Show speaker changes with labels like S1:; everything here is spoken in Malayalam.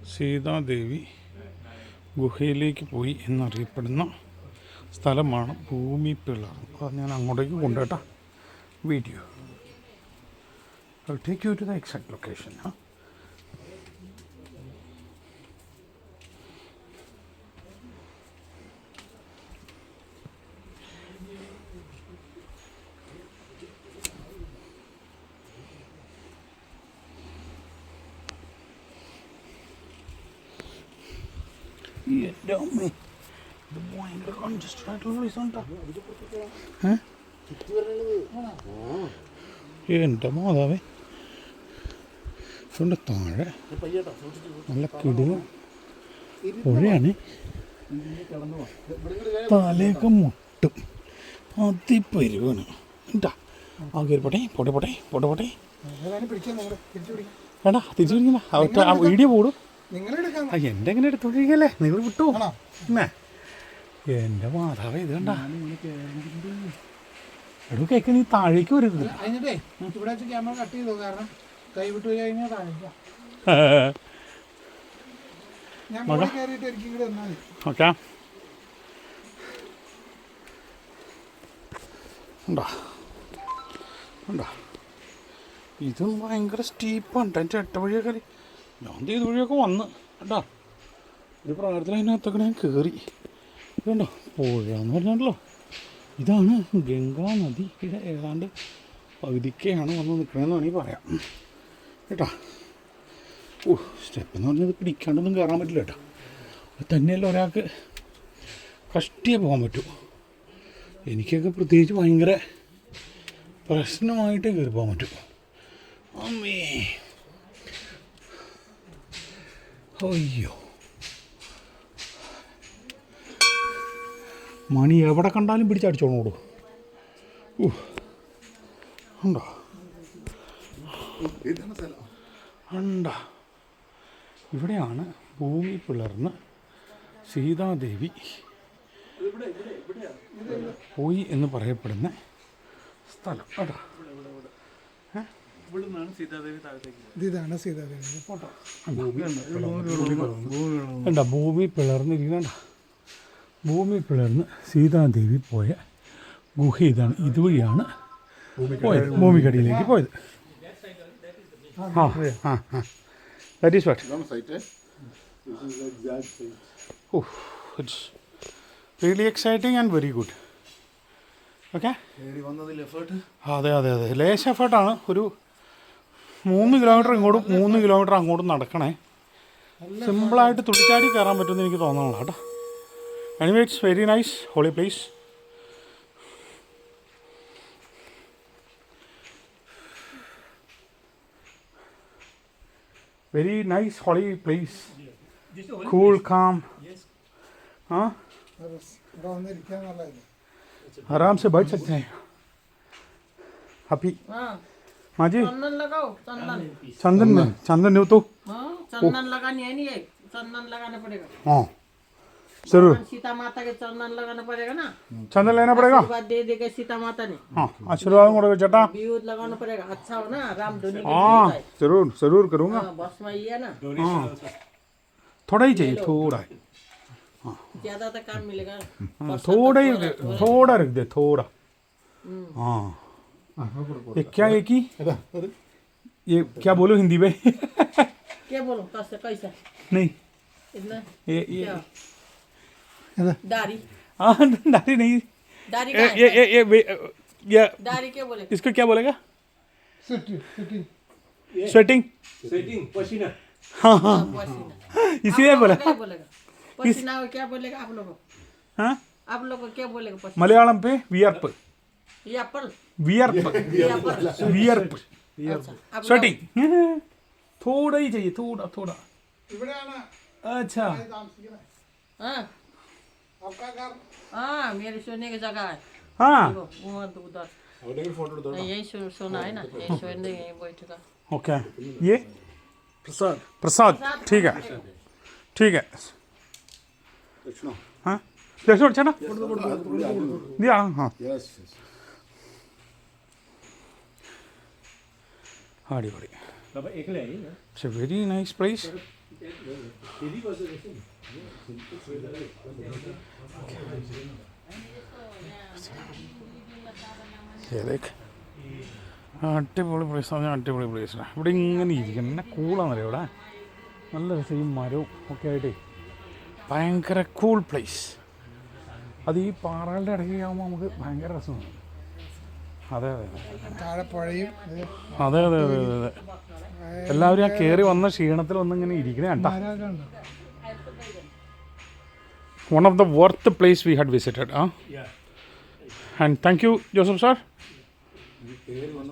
S1: സീതാദേവി ഗുഹയിലേക്ക് പോയി എന്നറിയപ്പെടുന്ന സ്ഥലമാണ് ഭൂമി പിളർ. അത് ഞാൻ അങ്ങോട്ടേക്ക് കൊണ്ടുപോട്ടാ video. I'll take you to the exact location. എൻ്റെ അമ്മേ, ഇത് ഭയങ്കര കൺജസ്റ്റഡ് ആയിട്ടുള്ള പ്ലേസാണ് കേട്ടോ. എൻ്റെ മാതാവേ, ഇതുകൊണ്ട് താഴെ നല്ല കിടിലും പുഴയാണ്. തലയൊക്കെ മുട്ടും അതിപ്പരുവാണ് കേട്ടാ. ആ കയറിപ്പോട്ടെ പോട്ടെ പോട്ടെ പോട്ടെ പോട്ടെ വേണ്ട തിരിച്ചു പിടിക്കണ്ട. വീഡിയോ പോടും. എൻ്റെ എങ്ങനെ എടുത്തോണ്ടിരിക്കല്ലേ, നിങ്ങൾ വിട്ടു എന്നേ. എൻ്റെ മാതാവേ, ഇത് കണ്ട എടോ കേക്ക്, നീ താഴേക്ക് വരരുത്. ഓക്കെ ഉണ്ടോ ഉണ്ടോ, ഇതും ഭയങ്കര സ്റ്റീപ്പാണ് കേട്ടോ. എൻ്റെ എട്ട വഴിയൊക്കെ ഞാൻ ഇത് വഴിയൊക്കെ വന്ന് കേട്ടോ. ഒരു പ്രാർത്ഥന അതിനകത്തൊക്കെ ഞാൻ കയറി. ഇതുണ്ടോ പുഴ എന്ന് പറഞ്ഞാലോ, ഇതാണ് ഗംഗാ നദി. ഇത് ഏതാണ്ട് പകുതിക്കാണ് വന്ന് നിൽക്കണമെന്ന് വേണമെങ്കിൽ പറയാം കേട്ടോ. സ്റ്റെപ്പ് എന്ന് പറഞ്ഞത് പിടിക്കാണ്ടൊന്നും കയറാൻ പറ്റില്ല കേട്ടോ. അത് തന്നെയല്ല ഒരാൾക്ക് കഷ്ടിയേ പോകാൻ പറ്റൂ. എനിക്കൊക്കെ പ്രത്യേകിച്ച് ഭയങ്കര പ്രശ്നമായിട്ടേ കയറി പോകാൻ പറ്റൂ. അമ്മേ, അയ്യോ, മണി എവിടെ കണ്ടാലും പിടിച്ചടിച്ചോളൂ. ഉണ്ടോ ഉണ്ടോ, ഇവിടെയാണ് ഭൂമി പിളർന്ന് സീതാദേവി പോയി എന്ന് പറയപ്പെടുന്ന സ്ഥലം കേട്ടോ. ഇതാണ് സീതാദേവി ഫോട്ടോ. എന്താ ഭൂമി പിളർന്നിരിക്കണ്ട, ഭൂമി പിളർന്ന് സീതാദേവി പോയ ഗുഹ ഇതാണ്. ഇതുവഴിയാണ് പോയത്, ഭൂമിക്കടിയിലേക്ക് പോയത്. That is what. It's really exciting and very good. Okay, അതെ അതെ അതെ, ലേശ എഫേർട്ടാണ്. ഒരു 3 കിലോമീറ്റർ ഇങ്ങോട്ടും 3 കിലോമീറ്റർ അങ്ങോട്ടും നടക്കണേ. സിമ്പിളായിട്ട് തുടിച്ചാടി കയറാൻ പറ്റുമെന്ന് എനിക്ക് തോന്നണല്ലോ കേട്ടോ. Anyway, it's very nice holy place. Very nice holy place. Cool calm. हाँ, आराम से बैठ सकते हैं. हैप्पी माँ जी,
S2: चंदन लगाओ.
S1: चंदन में चंदन नहीं तो
S2: चंदन लगानी है नहीं, चंदन लगाना पड़ेगा.
S1: हाँ जरूर,
S2: सीता माता के चंदन लगाना पड़ेगा ना.
S1: चंदन लेना पड़ेगा.
S2: आशीर्वाद दे देगा सीता माता ने.
S1: हाँ, आशीर्वाद मोड़ेगा जटा.
S2: विभूत लगाना पड़ेगा. अच्छा हो ना, राम धुनी.
S1: हाँ जरूर जरूर करूँगा.
S2: बस में ये है ना.
S1: हाँ, थोड़ा ही चाहिए, थोड़ा.
S2: ज्यादा तो काम मिलेगा.
S1: थोड़ा ही, थोड़ा रख दे, थोड़ा. हाँ, ये क्या है कि ये क्या बोलो हिंदी में.
S2: क्या बोलो, कैसे कैसा
S1: नहीं,
S2: इतना
S1: ये
S2: दाढ़ी.
S1: हाँ दाढ़ी नहीं,
S2: दाढ़ी
S1: ये
S2: दाढ़ी क्या बोलेगा,
S1: इसको क्या बोलेगा. स्वेटिंग
S3: पसीना.
S1: हाँ हाँ,
S2: पसीना.
S1: इसीलिए बोला.
S2: क्या बोलेगा पसीना को, क्या बोलेगा आप लोगों.
S1: हाँ,
S2: आप लोग को क्या बोलेगा पसीना.
S1: मलयालम पे वियर्प.
S2: ये एप्पल.
S1: वियर्प वियर्प
S2: अच्छा,
S1: स्वेटिंग. थोड़ा ही चाहिए, थोड़ा थोड़ा. अच्छा,
S2: हाँ हाँ, मेरे सोने की जगह है.
S1: हाँ
S2: उधर यही सोना है ना, यही सोने यही बैठेगा.
S1: ओके. ये प्रसाद, प्रसाद ठीक है, ठीक है. हाँ दक्षिण अच्छा ना दिया. हाँ അടിപൊളി. It's a very nice place. ഏതൊക്കെ അടിപൊളി പ്ലേസ് പറഞ്ഞാൽ അടിപൊളി പ്ലേസാണ്. ഇവിടെ ഇങ്ങനെ ഇരിക്കണം, എന്നെ കൂളാണെന്നറിയോ ഇവിടെ. നല്ല രസം, ഈ മരവും ഒക്കെ ആയിട്ടേ ഭയങ്കര കൂൾ പ്ലേസ്. അത് ഈ പാറകളുടെ ഇടയ്ക്ക് ആകുമ്പോൾ നമുക്ക് ഭയങ്കര രസമാണ്. അതെ അതെ അതെ അതെ അതെ അതെ അതെ. എല്ലാവരും ആ കയറി വന്ന ക്ഷീണത്തിൽ വന്നിങ്ങനെ ഇരിക്കണേ കേട്ടോ. One of the worth place we had visited. And thank you, Joseph sir.